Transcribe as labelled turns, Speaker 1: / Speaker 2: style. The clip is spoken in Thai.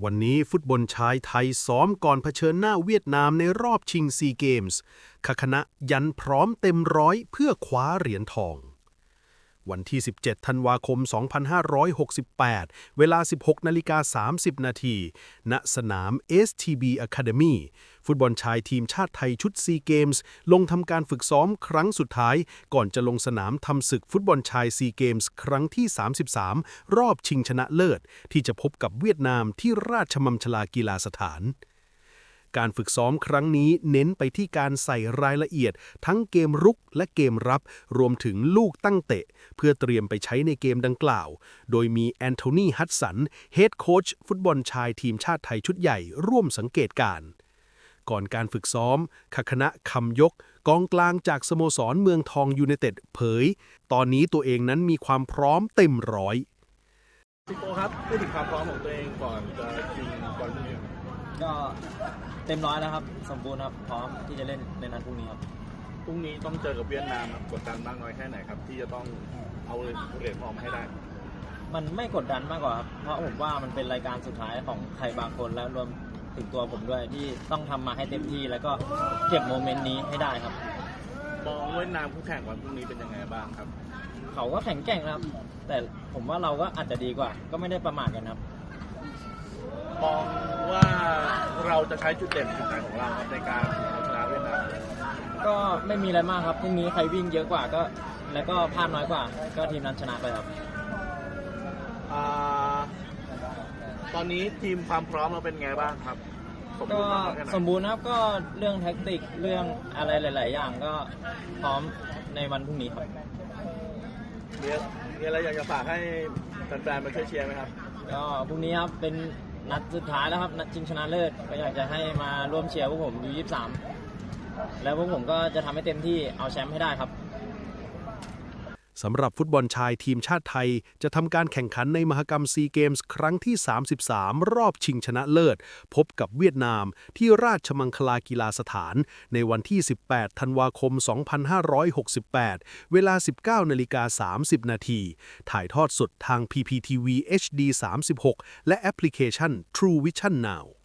Speaker 1: วันนี้ฟุตบอลชายไทยซ้อมก่อนเผชิญหน้าเวียดนามในรอบชิงซีเกมส์คณะยันพร้อมเต็มร้อยเพื่อคว้าเหรียญทองวันที่ 17 ธันวาคม 2568 เวลา 16:30 นาทีณสนาม STB Academy ฟุตบอลชายทีมชาติไทยชุดซีเกมส์ลงทำการฝึกซ้อมครั้งสุดท้ายก่อนจะลงสนามทำศึกฟุตบอลชายซีเกมส์ครั้งที่ 33 รอบชิงชนะเลิศที่จะพบกับเวียดนามที่ราชมังคลากีฬาสถานการฝึกซ้อมครั้งนี้เน้นไปที่การใส่รายละเอียดทั้งเกมรุกและเกมรับรวมถึงลูกตั้งเตะเพื่อเตรียมไปใช้ในเกมดังกล่าวโดยมีแอนโทนีฮัดสันเฮดโค้ชฟุตบอลชายทีมชาติไทยชุดใหญ่ร่วมสังเกตการณ์ก่อนการฝึกซ้อมคณะคำยกกองกลางจากสโมสรเมืองทองยูไนเต็ดเผยตอนนี้ตัวเองนั้นมีความพร้อมเต็มร้อย
Speaker 2: ซิโก้ครับพูดถึงความพร้อมของตัวเองก่อนจะชิงบอลลูน
Speaker 3: ก็เต็มร้อยแล้วครับสมบูรณ์ครับพร้อมที่จะเล่นในนัดพรุ่งนี้ครับ
Speaker 2: พรุ่งนี้ต้องเจอกับเวียดนามกดดันมากน้อยแค่ไหนครับที่จะต้องเอาเหรียญทองมาให้ได้
Speaker 3: มันไม่กดดันมากกว่าครับเพราะผมว่ามันเป็นรายการสุดท้ายของใครบางคนและรวมถึงตัวผมด้วยที่ต้องทำมาให้เต็มที่แล้วก็เก็บโมเมนต์นี้ให้ได้ครับ
Speaker 2: มองเวียดนามคู่แข่งวันพรุ่งนี้เป็นยังไงบ้างครับ
Speaker 3: เขาก็แข็งแกร่งครับแต่ผมว่าเราก็อาจจะดีกว่าก็ไม่ได้ประมาทกันครับ
Speaker 2: มองว่าเราจะใช้จุดเด่นจุดไหนของเราครับในการชนะเวียดนาม
Speaker 3: ก็ไม่มีอะไรมากครับพรุ่งนี้ใครวิ่งเยอะกว่าก็แล้วก็พลาดน้อยกว่าก็ทีมนั้นชนะไปครับ
Speaker 2: ตอนนี้ทีมความพร้อมเราเป็นไงบ้างครับ
Speaker 3: ก็สมบูรณ์ครับก็เรื่องแท็กติกเรื่องอะไรหลายๆอย่างก็พร้อมในวันพรุ่งนี้ครับ
Speaker 2: มีอะไรอยากจะฝากให้แฟนๆมาช่วยเชียร์ไหมครับ
Speaker 3: ก็พรุ่งนี้ครับเป็นนัดสุดท้ายแล้วครับนัดชิงชนะเลิศก็อยากจะให้มาร่วมเชียร์พวกผมอยู่23แล้วพวกผมก็จะทำให้เต็มที่เอาแชมป์ให้ได้ครับ
Speaker 1: สำหรับฟุตบอลชายทีมชาติไทยจะทำการแข่งขันในมหกรรมซีเกมส์ครั้งที่ 33 รอบชิงชนะเลิศพบกับเวียดนามที่ราชมังคลากีฬาสถานในวันที่ 18 ธันวาคม 2568 เวลา 19:30 นาทีถ่ายทอดสดทาง PPTV HD 36 และแอปพลิเคชัน True Vision Now